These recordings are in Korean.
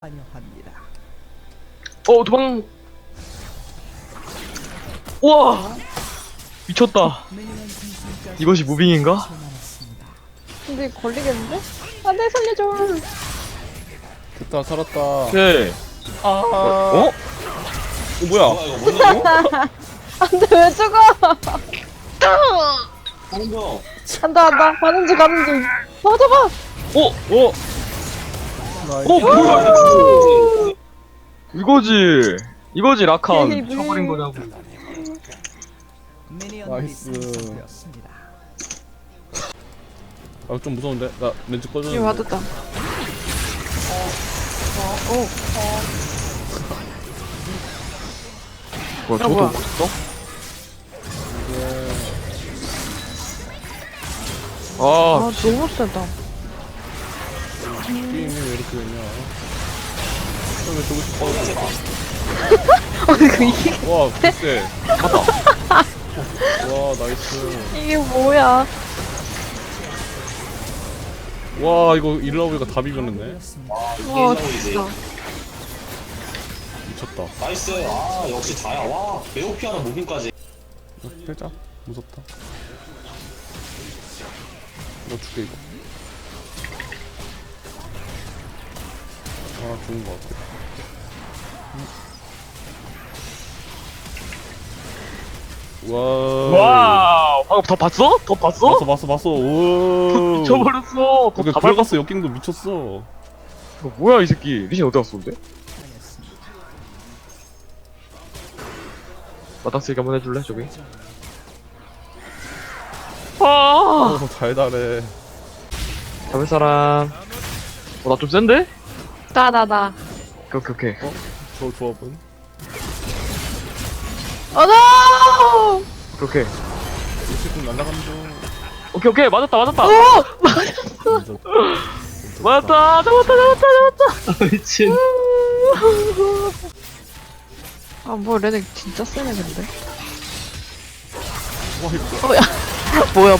환영합니다. 도망. 우와, 미쳤다. 이것이 무빙인가? 근데 걸리겠는데? 안돼 살려줘. 됐다 살았다. 오케이. 어? 뭐야? 안돼 왜 죽어? 한다 가는지 잡아. 오, 뭐야? 이거지 라칸. 헤이, 쳐버린 거냐고. 나이스. 완성되었습니다. 아 좀 무서운데? 나 렌즈 이거 꺼졌는데. 맞았다. 뭐야, 저도 뭐야. 멋있어? 아 아, 너무 세다. 게임이 왜 이렇게 되냐? 왜 저거 싶어? 아니 그 이게 와 글쎄. 와 나이스. 이게 뭐야? 와 이거 일러보니까 다 비겼네. 와 진짜. 미쳤다. 나이스. 아 역시 다야. 와 매우 피하는 무빙까지. 빼자. 무섭다. 너 죽게 이거. 아 좋은 거 같아. 와. 와, 방금 더 봤어? 더 봤어? 봤어. 오. 미쳐버렸어. 그러니까 더 들어갔어. 역갱도 미쳤어. 이거 뭐야 이 새끼. 리신 어디 갔어 근데? 마당쓰기 한번 해줄래 저기? 아, 달달해. 잡을 사람. 나 좀 센데? 나. 오케이. 저 조합은? 어너. 오케이. 일찍 날아가는 중. 오케이. 맞았다. 진짜. 맞았다. 잡았다. 미친. 아뭐 레넥 진짜 세네 근데. 와 이거. 어야. 뭐야.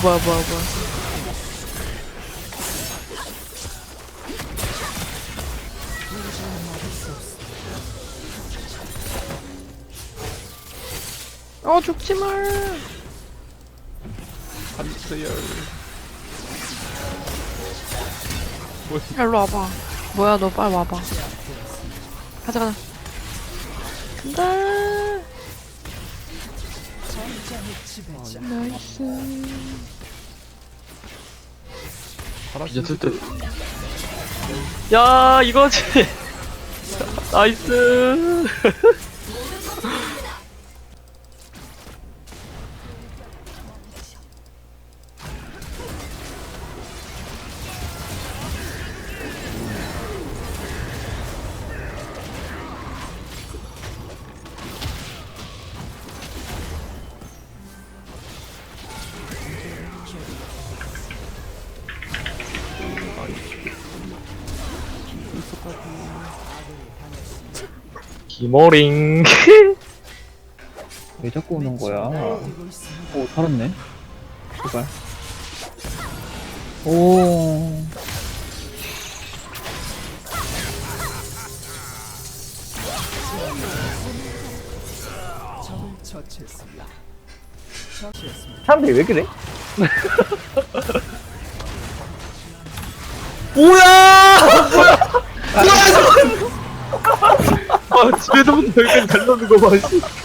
죽지 말. 한세열. 야, 일로 와봐. 뭐야, 너 빨리 와봐. 가자. 간다. 나이스. 이제 슬 야, 이거지. 나이스. 기모링. 왜 자꾸 오는 거야? 오, 살았네. 제발. 오. 적을 처치했습니다. 사람들이 왜 그래? 아, 집에서부터 여기까지 달려오는 거 봐. 씨.